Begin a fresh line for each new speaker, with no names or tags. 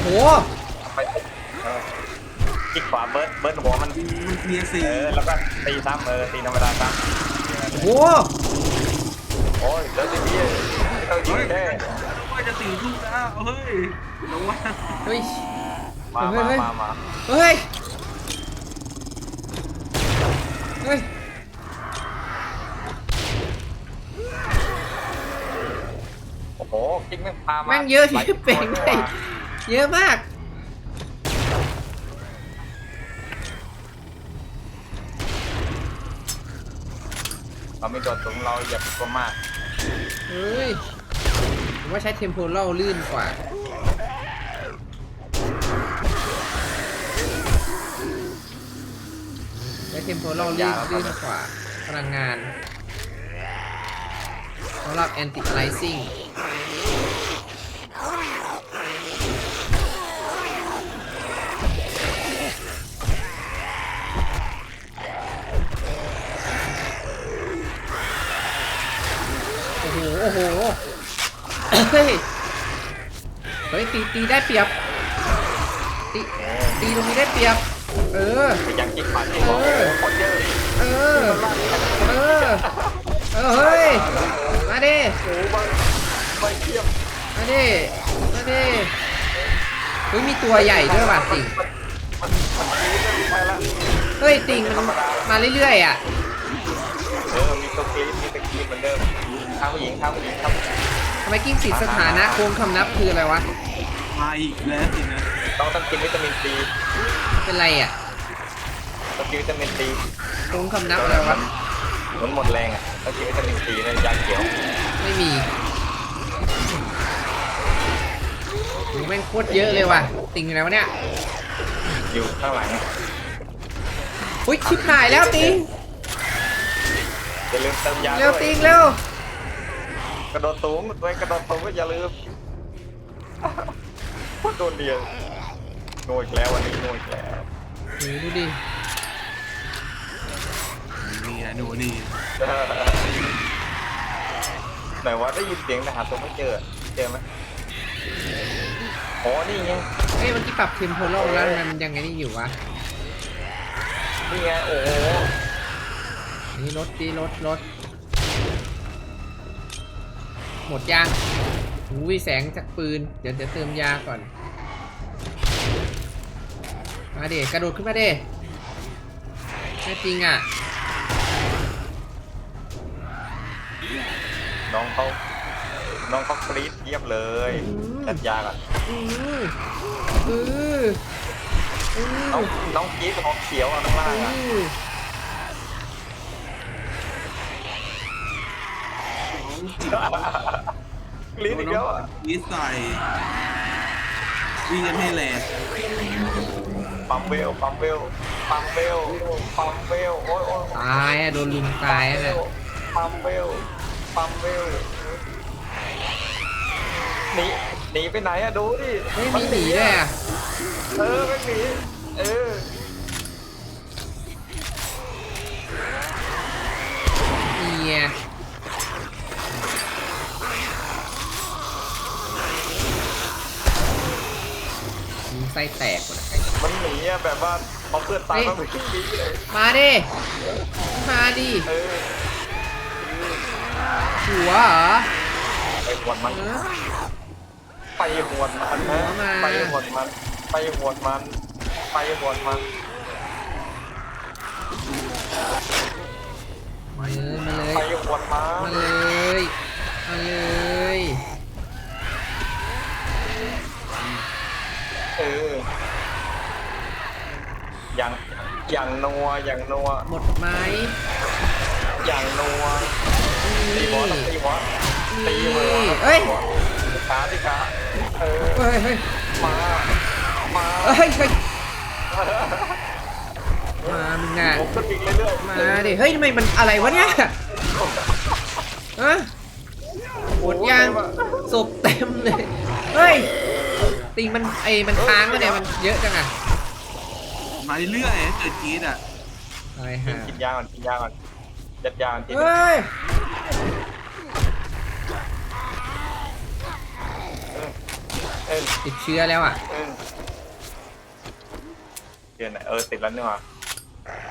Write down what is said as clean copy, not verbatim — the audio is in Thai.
โห
ไปคลิกขวาเบิร์ดหัวมัน
เมียสี่
แล้วก็ตีซ้ำตีธรรมดาซ้
โอ้โห
ำโอ้ยแล้วทีนี้ไม่ต้องยิงแน่
ว่าจะตีลูกแล้วเฮ้ยระวัง
เฮ้ย
มา
เฮ้ย เฮ้ย
โอ้โหกิ๊กแม่งพามา
แม่งเยอะที่เป่งได้เยอะมาก
เราไม่โดดสูงเราอย่าตัวมาก
เฮ้ยผมว่าใช้เทมโพลลื่นกว่าใช้เทมโพลลื่นกว่าพลังงานสำหรับ anti aliasing โอ้โหเฮ้ยตีได้เปรียบตีตรงนี้ได้เปรียบ
ยังกิ๊กปัดเ
อเฮ้ยมาดิ
ไม่เทียบ
มาดิเฮ้ยมีตัวใหญ่ด้วยว่ะติ่งเฮ้ยติ่งมันมาเรื่อยๆอ่ะ
มีตัวกรี๊ดเหมือนเดิมข้าวผู้หญิงครับ
ทำไมกิ้งสิสถานะโค้งคำนับคืออะไรวะ
มาอีกแล้วสินะ
ต้องกินวิตามินซี
เป็นไรอ่ะ
ต้องกินวิตามินซี
โค้งคำนับอะไรวะ
หมดแรงอ่ะต้องกินวิตามินซีในยาเขียว
ไม่มีโหแม่งโคตรเยอะเลยว่ะติ่งอยู่ไหนวะเนี่ย
อยู่ข้างหลัง
อุ้ยชิบหายแล้วติ่ง
อย่าลืมเติมยา
เร็วติ่งเร็ว
กระโดดสูงด้วยกระโดดสูงก็อย่าลืมพูดโดนเดียวโง่อีกแล้ววันนี้โง่อีกแล้ว
ดูดิ
นี่นะดูนี่
ไหนว่าได้ยินเสียงแต่หาตัวไม่เจอไหมอ๋อนี่ไง
เฮ้ยมันที่ปรับเทมโพลแล้วมันยังไงนี่อยู่วะ
นี่ไงโอ้โห
นี่รถหมดยางหูวิแสงจากปืนเดี๋ยวจะเติมยาก่อนมาดิกระโดดขึ้นมาดิแน่จริงอ่ะ
น้องเขากรี๊ดเยียบเลยจัดยาก่อนน้องกรี๊ดของเขียวอ่ะข้างล่างอ่ะลิ้นอีกแล้ว
ลิ้นใส่วิ่งกันให้แรง
ปั๊มเวลโอ้ย
ตายโดนลุมตายเลย
ปั๊มเวลหนีไปไหนอะดูดิ
ไม่มีหนีเลยอะ
ไม่หนี
เนี่ยไส้แตกหมด
มันหนีอะแบบว่าพอเพื่อนตายมันไม่หนีเลย
มาดิหัวเหรอ
ไปหวดมันนะไปหวดมันไปหวดมันไปหวดมัน
มาเลย
ไปหวดมัน
มาเลย
อย่างนัว
หมดไหม
อย่างนัวตีหัว
เฮ้ย
ขามา
เฮ้ยมามึงอ่ะมาดิเฮ้ยทำไมมันอะไรวะเนี่ยหมดยังศพเต็มเลยเฮ้ยติงมันมันค้างวะเนี่ยมันเยอะจังอ่ะ
มาเรื่อยๆเกิดกีดอ่ะ
อะไรฮะ
กินยาก่อนจัดยาที่
ติดเชื้อแล้วอ่ะ
เออเดี๋ยวนะติดแล้วนี่หว่า